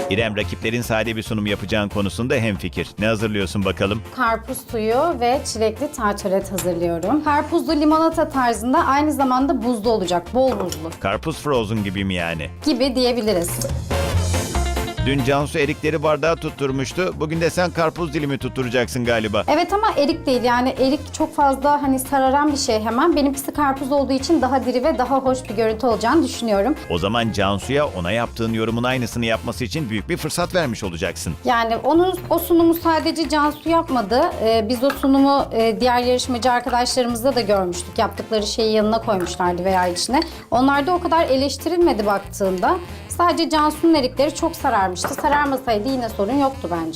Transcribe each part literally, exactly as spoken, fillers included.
İrem, rakiplerin sade bir sunum yapacağın konusunda hemfikir. Ne hazırlıyorsun bakalım? Karpuz suyu ve çilekli tartalet hazırlıyorum. Karpuzlu limonata tarzında, aynı zamanda buzlu olacak, bol buzlu Karpuz frozen gibi mi yani? gibi diyebiliriz. Dün Cansu erikleri bardağa tutturmuştu. Bugün de sen karpuz dilimi tutturacaksın galiba. Evet ama erik değil, yani erik çok fazla hani sararan bir şey hemen. Benimkisi karpuz olduğu için daha diri ve daha hoş bir görüntü olacağını düşünüyorum. O zaman Cansu'ya ona yaptığın yorumun aynısını yapması için büyük bir fırsat vermiş olacaksın. Yani onun o sunumu sadece Cansu yapmadı. Ee, biz o sunumu e, diğer yarışmacı arkadaşlarımızda da görmüştük. Yaptıkları şeyi yanına koymuşlardı veya içine. Onlar da o kadar eleştirilmedi baktığında. Sadece Cansu'nun erikleri çok sararmıştı. Sararmasaydı yine sorun yoktu bence.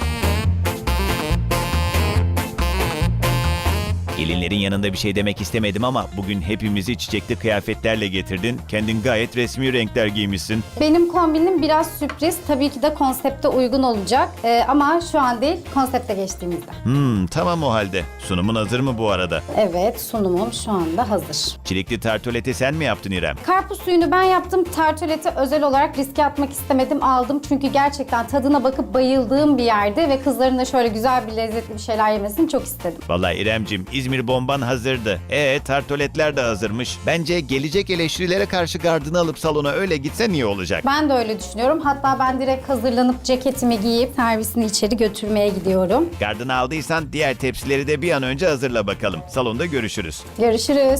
Gelinlerin yanında bir şey demek istemedim ama bugün hepimizi çiçekli kıyafetlerle getirdin. Kendin gayet resmi renkler giymişsin. Benim kombinim biraz sürpriz. Tabii ki de konsepte uygun olacak. Ee, ama şu an değil, konsepte geçtiğimizde. Hmm, tamam o halde. Sunumun hazır mı bu arada? Evet, sunumum şu anda hazır. Çilekli tartoleti sen mi yaptın İrem? Karpuz suyunu ben yaptım. Tartoleti özel olarak riske atmak istemedim. Aldım çünkü gerçekten tadına bakıp bayıldığım bir yerde ve kızların da şöyle güzel bir lezzetli bir şeyler yemesini çok istedim. Vallahi İremcim, İzmir bomban hazırdı. E tartoletler de hazırmış. Bence gelecek eleştirilere karşı gardını alıp salona öyle gitsen iyi olacak. Ben de öyle düşünüyorum. Hatta ben direkt hazırlanıp ceketimi giyip servisini içeri götürmeye gidiyorum. Gardını aldıysan diğer tepsileri de bir an önce hazırla bakalım. Salonda görüşürüz. Görüşürüz.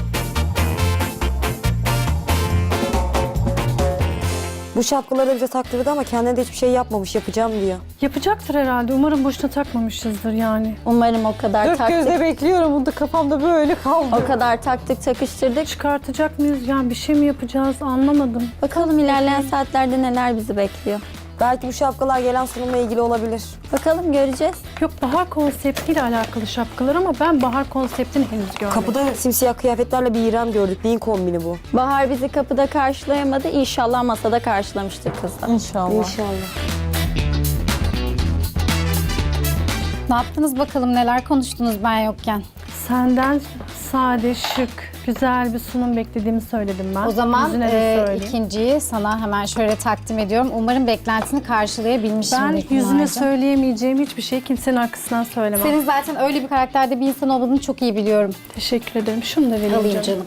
Bu şapkaları bize taktırdı ama kendine de hiçbir şey yapmamış, yapacağım diyor. Yapacaktır herhalde. Umarım boşuna takmamışızdır yani. Umarım o kadar Dört taktık. gözle bekliyorum, bunu da kafamda böyle kaldı. O kadar taktık takıştırdık. Çıkartacak mıyız? Yani bir şey mi yapacağız? Anlamadım. Bakalım ilerleyen saatlerde neler bizi bekliyor. Belki bu şapkalar gelen sunumla ilgili olabilir. Bakalım göreceğiz. Yok, bahar konseptiyle alakalı şapkalar ama ben bahar konseptini henüz görmedim. Kapıda simsiyah kıyafetlerle bir İrem gördük. Neyin kombini bu? Bahar bizi kapıda karşılayamadı. İnşallah masada karşılamıştır kızlar. İnşallah. İnşallah. Ne yaptınız bakalım, neler konuştunuz ben yokken? Senden sade, şık, güzel bir sunum beklediğimi söyledim ben. O zaman Yüzüne de e, söyleyeyim. ikinciyi sana hemen şöyle takdim ediyorum. Umarım beklentini karşılayabilmişimdir. Ben yüzüne Pınar'cığım. söyleyemeyeceğim hiçbir şey kimsenin arkasından söylemem. Senin zaten öyle bir karakterde bir insan olduğunu çok iyi biliyorum. Teşekkür ederim. Şunu da vereyim Alayım canım. canım.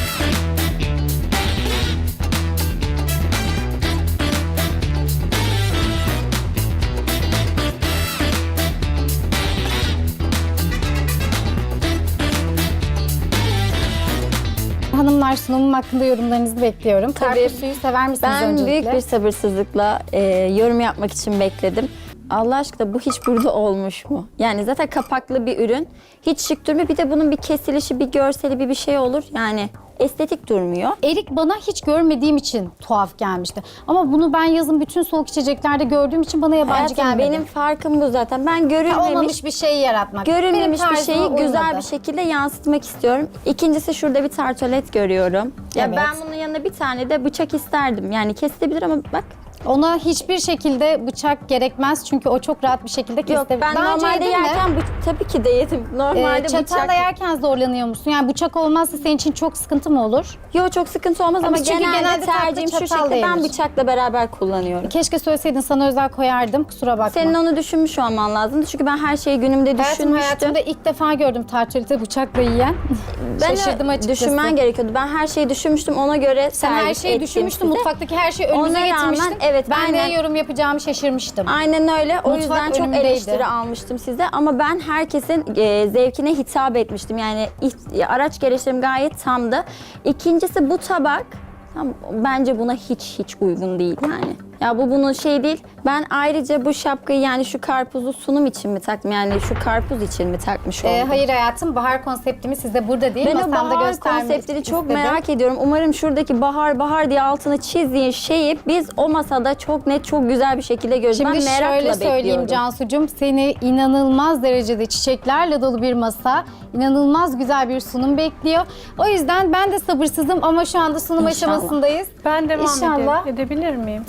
Hanımlar, sunumum hakkında yorumlarınızı bekliyorum. Tabii. Karpuz suyu sever misiniz Ben öncelikle? büyük bir sabırsızlıkla e, yorum yapmak için bekledim. Allah aşkına bu hiç burada olmuş mu? Yani zaten kapaklı bir ürün. Hiç şık durmuyor. Bir de bunun bir kesilişi, bir görseli, bir bir şey olur. Yani estetik durmuyor. Erik bana hiç görmediğim için tuhaf gelmişti. Ama bunu ben yazın bütün soğuk içeceklerde gördüğüm için bana yabancı Hayatım, gelmedi. benim farkım bu zaten. Ben Ha, görülmemiş, olmamış bir şeyi yaratmak. görülmemiş Benim bir tarzıma şeyi güzel uymadı. bir şekilde yansıtmak istiyorum. İkincisi, şurada bir tartolet görüyorum. Ya Evet. ben bunun yanına bir tane de bıçak isterdim. Yani kesilebilir ama bak. Ona hiçbir şekilde bıçak gerekmez çünkü o çok rahat bir şekilde Yok, kesilebilir. ben Daha önce normalde yedin mi? yerken bu- tabii ki de yedim. Normalde Ee, çatalla bıçak. yerken zorlanıyor musun? Yani bıçak olmazsa senin için çok sıkıntı mı olur? Yok, çok sıkıntı olmaz ama, Ama çünkü genelde, genelde tatlı tercihim şu çatalla şekilde, ben yenir. bıçakla beraber kullanıyorum. Keşke söyleseydin, sana özel koyardım. Kusura bakma. Senin onu düşünmüş olman lazım. Çünkü ben her şeyi günümde Hayatım, düşünmüştüm. hayatımda ilk defa gördüm tartülite bıçakla yiyen. Ben Şaşırdım de açıkçası. düşünmen gerekiyordu. Ben her şeyi düşünmüştüm. Ona göre Sen her servis şeyi ettim düşünmüştün. size. Mutfaktaki her şeyi önümüze Ona rağmen, getirmiştin. evet, ben aynen. neye yorum yapacağımı şaşırmıştım. Aynen öyle. O Mutfak yüzden çok önümdeydi. eleştiri almıştım size. Ama ben herkesin e, zevkine hitap etmiştim. Yani iht- araç gereçlerim gayet tamdı. İkincisi, bu tabak tam, bence buna hiç hiç uygun değil yani. Ya bu bunun şey değil. Ben ayrıca bu şapkayı yani şu karpuzu sunum için mi taktım? Yani şu karpuz için mi takmış oldum? Ee, hayır hayatım, bahar konseptimiz sizde burada değil. Ben o Masamda bahar göstermek konseptini çok istedim. merak ediyorum. Umarım şuradaki bahar bahar diye altını çizdiğin şeyi biz o masada çok net, çok güzel bir şekilde görürüz. Şimdi Ben merakla şöyle söyleyeyim bekliyorum. Cansucuğum, seni inanılmaz derecede çiçeklerle dolu bir masa, inanılmaz güzel bir sunum bekliyor. O yüzden ben de sabırsızım ama şu anda sunum İnşallah. aşamasındayız. Ben devam İnşallah. ede- edebilir miyim? Tabii ki de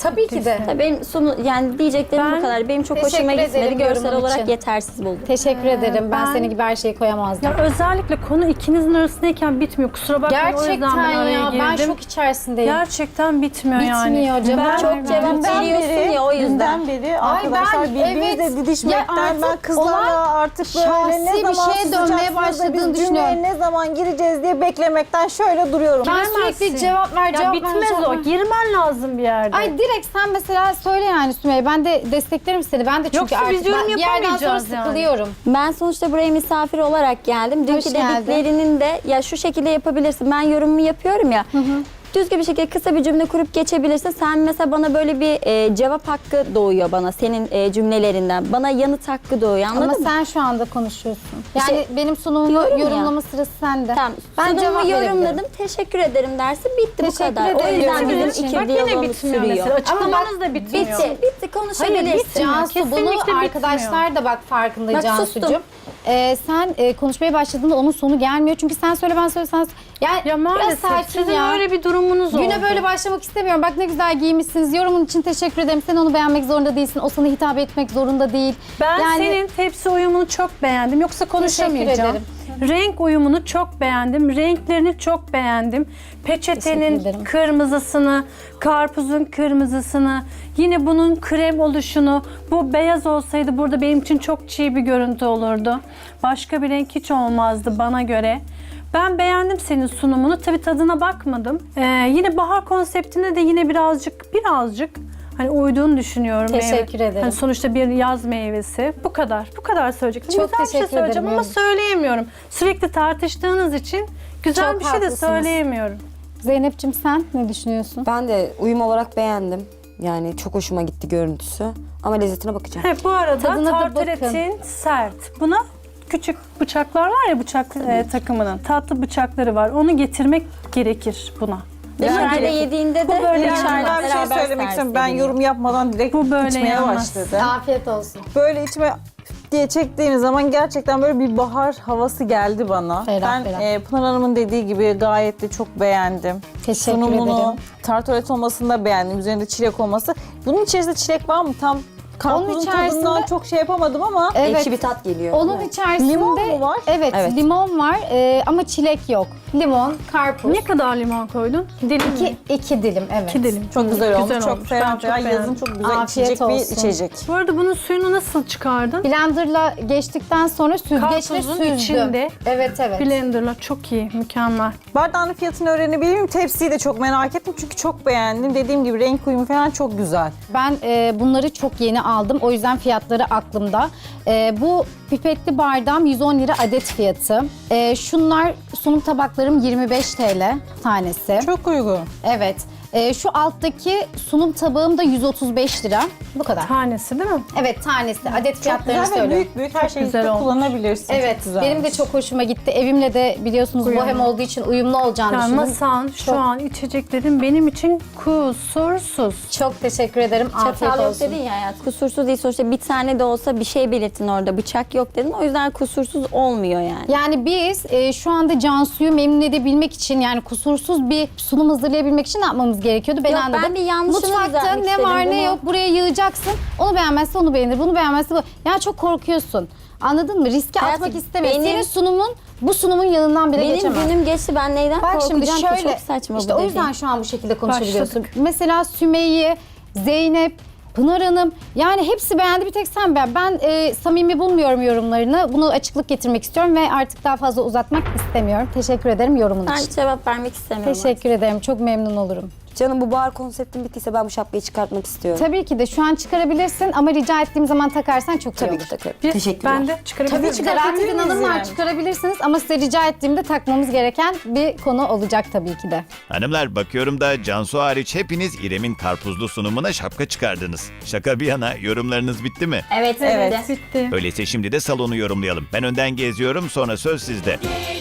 ki de. Tabii benim sonu yani diyeceklerim Ben bu kadar. Benim çok teşekkür hoşuma gitmedi. ederim Görsel yorumun olarak için. yetersiz buldum. Teşekkür ederim. Ben, ben- senin gibi her şeyi koyamazdım. Ya özellikle konu ikinizin arasındayken bitmiyor. Kusura bakmayın, o yüzden Gerçekten ben araya ya ben girdim. şok içerisindeyim. Gerçekten bitmiyor, yani. Bitmiyor, cevap Ben- Çok vermem. cevap Dünden veriyorsun beri, ya o yüzden. dünden beri Ay arkadaşlar ben- birbirinizle evet. didişmekten Ya artık ben kızlarla olan artık böyle ne şahsi bir zaman şeye dönmeye susacaksınız da başladığını biz cümleye düşünüyorum. ne zaman gireceğiz diye beklemekten şöyle duruyorum. Ben Giremezsin. sürekli cevap ver, Ya cevap ver, bitmez cevap o. ver. Girmen lazım bir yerde. Ay direkt sen mesela söyle yani Sümeyye. Ben de desteklerim seni. Ben de çünkü Yoksa biz artık yorum ben bir yerden sonra yapamayacağız yani. sıkılıyorum. Ben sonuçta buraya misafir olarak geldim. Dünkü Hoş geldin. dediklerinin de ya şu şekilde yapabilirsin. Ben yorumumu yapıyorum ya. Düzgün bir şekilde kısa bir cümle kurup geçebilirsin. Sen mesela bana böyle bir e, cevap hakkı doğuyor bana senin e, cümlelerinden. Bana yanıt hakkı doğuyor, anladın Ama mı? sen şu anda konuşuyorsun. Yani İşte benim sunumumu diyorum ya. yorumlama sırası sende. Tamam. Ben cevap Sunumu verebilirim. yorumladım. Teşekkür ederim dersin. Bitti bu Teşekkür kadar. O ederim. yüzden Yorumlar bizim için. iki Bak yine diyalogumuz bitmiyor sürüyor. mesela. Açıklamanız Ama da bitmiyor. Bitti. Bitti. Konuşabilirsin. bitmiyor. Cansu Kesinlikle bunu bitmiyor. arkadaşlar da bak farkında Bak, Cansu'cum. sustum. Ee, sen e, konuşmaya başladığında onun sonu gelmiyor. Çünkü sen söyle ben söyle sen yani Ya maalesef biraz sakin sizin ya. öyle bir durumunuz oldu. Güne böyle başlamak istemiyorum. Bak ne güzel giymişsiniz. Yorumun için teşekkür ederim. Sen onu beğenmek zorunda değilsin. O sana hitap etmek zorunda değil. Ben Yani- senin tepsi uyumunu çok beğendim. Yoksa konuşamayacağım. ederim. Renk uyumunu çok beğendim. Renklerini çok beğendim. Teşekkür Peçetenin ederim. kırmızısını, karpuzun kırmızısını, yine bunun krem oluşunu. Bu beyaz olsaydı burada benim için çok çiğ bir görüntü olurdu. Başka bir renk hiç olmazdı bana göre. Ben beğendim senin sunumunu. Tabii tadına bakmadım. Ee, yine bahar konseptine de yine birazcık birazcık hani uyduğunu düşünüyorum. Teşekkür ederim. Hani sonuçta bir yaz meyvesi. Bu kadar. Bu kadar söyleyecektim. Çok güzel bir şey teşekkür söyleyeceğim ederim. ama söyleyemiyorum. Sürekli tartıştığınız için güzel Çok bir şey de haklısınız. söyleyemiyorum. Zeynep'ciğim sen ne düşünüyorsun? Ben de uyum olarak beğendim. Yani çok hoşuma gitti görüntüsü. Ama lezzetine bakacağım. He, bu arada Tadına da tartaletin sert. Buna küçük bıçaklar var ya bıçak e, takımının. Tatlı bıçakları var. Onu getirmek gerekir buna. Dışarıda Yani- yediğinde Bu de böyle dışarıda yanmaz. Ben bir şey beraber söylemek servis istiyorum. Ben ediliyor. yorum yapmadan direkt Bu böyle içmeye yanmaz. başladı. Afiyet olsun. Böyle içime diye çektiğiniz zaman gerçekten böyle bir bahar havası geldi bana. Ferah, ben ferah. e, Pınar Hanım'ın dediği gibi gayet de çok beğendim. Teşekkür Sunumunu, ederim. tartolet olmasını da beğendim. Üzerinde çilek olması. Bunun içerisinde çilek var mı? Tam karpuzun içerisinde- tadından çok şey yapamadım ama Evet. Ekşi bir tat geliyor. Onun içerisinde Limon mu var? Evet, Evet. limon var e, ama çilek yok. Limon, karpuz. Ne kadar limon koydun? Dilim mi? İki, iki dilim evet. İki dilim. çok güzel olmuş. çok olmuş. Ben ferah çok ferah. Yazın beğendim. çok güzel Afiyet içecek bir olsun. içecek. Bu arada bunun suyunu nasıl çıkardın? Blenderla geçtikten sonra süzgeçle Karpuzun süzdüm. içinde. Evet evet. Blender'la çok iyi, mükemmel. Bardağın fiyatını öğrenebilir miyim? Tepsiyi de çok merak ettim çünkü çok beğendim. Dediğim gibi renk uyumu falan çok güzel. Ben e, bunları çok yeni aldım. O yüzden fiyatları aklımda. E, bu pipetli bardağım yüz on lira adet fiyatı. E, şunlar sunum tabaklarım yirmi beş TL tanesi. Çok uygun. Evet. E, şu alttaki sunum tabağım da yüz otuz beş lira. Bu kadar. Tanesi değil mi? Evet tanesi. Adet Çok fiyatlarını güzel ve söylüyorum. büyük büyük her şeyi güzel de olmuş. kullanabilirsin. Evet, çok güzel. benim de çok hoşuma gitti. Evimle de biliyorsunuz Uyumlu. bohem olduğu için uyumlu olacağını Yani düşündüm. masan, Çok- şu an içeceklerin benim için kusursuz. Çok teşekkür ederim. Afiyet Çatal yok olsun. dedin ya hayat. Kusursuz değil sonuçta bir tane de olsa bir şey belirtin orada. Bıçak yok dedin. O yüzden kusursuz olmuyor yani. Yani biz e, şu anda Cansu'yu memnun edebilmek için yani kusursuz bir sunum hazırlayabilmek için ne yapmamız gerekiyordu? Ben Yok, anladım. ben bir yanlışını Mutfakta düzeltmek ne istedim var ne bunu. yok buraya yığacaksın. Onu beğenmezse onu beğenir, bunu beğenmezse bu. Yani çok korkuyorsun. Anladın mı? Riske Hayatım, atmak istemiyorsun. benim- Senin sunumun bu sunumun yanından bile Benim geçemez. günüm geçti. Ben neyden Bak şimdi korkacağım ki? şöyle, Çok saçma işte bu o dediğin. yüzden şu an bu şekilde konuşabiliyorsun. Başladık. Mesela Sümeyye, Zeynep, Pınar Hanım yani hepsi beğendi bir tek sen beğen. Ben e, samimi bulmuyorum yorumlarını. Bunu açıklık getirmek istiyorum ve artık daha fazla uzatmak istemiyorum. Teşekkür ederim yorumun Ben için. cevap vermek istemiyorum. Teşekkür ederim. Çok memnun olurum. Canım bu bahar konseptin bittiyse ben bu şapkayı çıkartmak istiyorum. Tabii ki de şu an çıkarabilirsin ama rica ettiğim zaman takarsan çok iyi Tabii olur. ki takarım. Bir- Teşekkürler. Ben de çıkarabilir Tabii miyim? ki de rahat edin hanımlar yani? çıkarabilirsiniz ama size rica ettiğimde takmamız gereken bir konu olacak tabii ki de. Hanımlar bakıyorum da Cansu hariç hepiniz İrem'in karpuzlu sunumuna şapka çıkardınız. Şaka bir yana yorumlarınız bitti mi? Evet, Evet. evet. Bitti. Öyleyse şimdi de salonu yorumlayalım. Ben önden geziyorum sonra söz sizde.